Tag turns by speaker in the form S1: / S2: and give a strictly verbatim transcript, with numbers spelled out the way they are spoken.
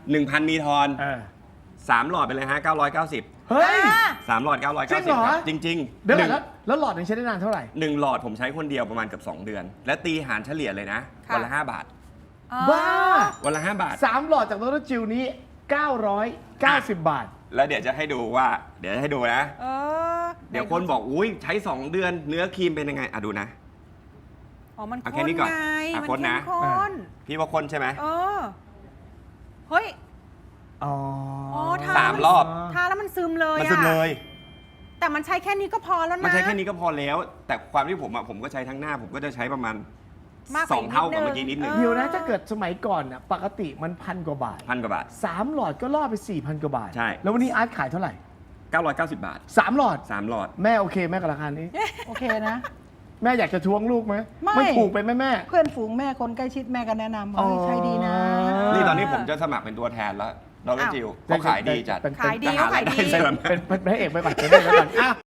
S1: หนึ่งพันมีทอน
S2: เออ
S1: สามหลอดไปเลยฮะเก้าร้อยเก้าสิบ
S2: เฮ้ย
S1: สามหลอดเก้าร้อย
S2: จริ
S1: เก้าง สิ
S2: เห
S1: บ
S2: รอ
S1: ครับจริงๆ
S2: เดี๋ยว
S1: ห
S2: ก่อ
S1: นึ่
S2: น
S1: ง
S2: แล้วแล้วหลอดหนึงใช้ได้นานเท่าไหร่
S1: หนึ่งหลอดผมใช้คนเดียวประมาณเกือบสองเดือน และตีหารเฉลี่ยเลยนะ
S3: ค่ะ
S1: วันละห้าบาท
S3: อ๋อ
S2: บ้า
S1: วันละห้าบาท
S2: สามหลอดจากดรจิวนี้เก้าร้อยเก้าสิบบาท
S1: แล้วเดี๋ยวจะให้ดูว่า เดี๋ยวจะให้ดูนะ
S3: เออ
S1: เดี๋ยวคนบอกอุ้ยใช้ สอง เดือนเนื้อครีมเป็นยังไงอ่ะดูนะ
S3: อ๋อมัน
S1: เอาแค่
S3: ข้น
S1: นี้ก่อน
S3: ไง
S1: อ่ะ
S3: มัน
S1: คนนะ
S3: เข้มข้น
S1: พี่ว่าคนใช่ไหม
S3: เออเฮ้ย
S2: อ๋อ
S3: อ๋อทา
S1: สามรอบ
S3: ทาแล้วมันซึมเลย
S1: มัน
S3: อะ
S1: ซึมเลย
S3: แต่มันใช้แค่นี้ก็พอแล้วนะ
S1: มันใช้แค่นี้ก็พอแล้ว แต่ความที่ผมอ่ะผมก็ใช้ทั้งหน้า ผมก็จะใช้ประมาณ
S3: มากก
S1: ส
S3: ว่า
S1: องเท่ากับ
S3: นิดนึง
S1: เมื่อกี้นิดนึง
S3: เออ
S2: เดี๋ยวนะถ้าเกิดสมัยก่อนน่ะปกติมันพันกว่าบาท
S1: พันกว่าบาท
S2: สามหลอดก็ล่อไป สี่พัน กว่าบาท
S1: ใช่
S2: แล้ววันนี้อาร์ตขายเท่าไหร่
S1: เก้าร้อยเก้าสิบบาท
S2: สามหลอด
S1: สามหลอด
S2: แม่โอเคแม่กับราคานี้
S4: โอเคนะ
S2: แม่อยากจะทวงลูกไหม
S4: ไม่
S2: มันถูกไปไหมแม่
S4: เพื่อนฝูงแม่คนใกล้ชิดแม่ก็แนะนำว่าเฮ้ยใช้ดีนะ
S1: นี่ตอนนี้ผมจะสมัครเป็นตัวแทนแล้วดรจิวเขาขายดีจัด
S2: เป็น
S3: ขายดีเขาขายดี
S1: จะหรายได้เสริม
S2: เป็นเป็นพระเอกไปก่อนเป็นพระเอกไปก่อนอ่ะ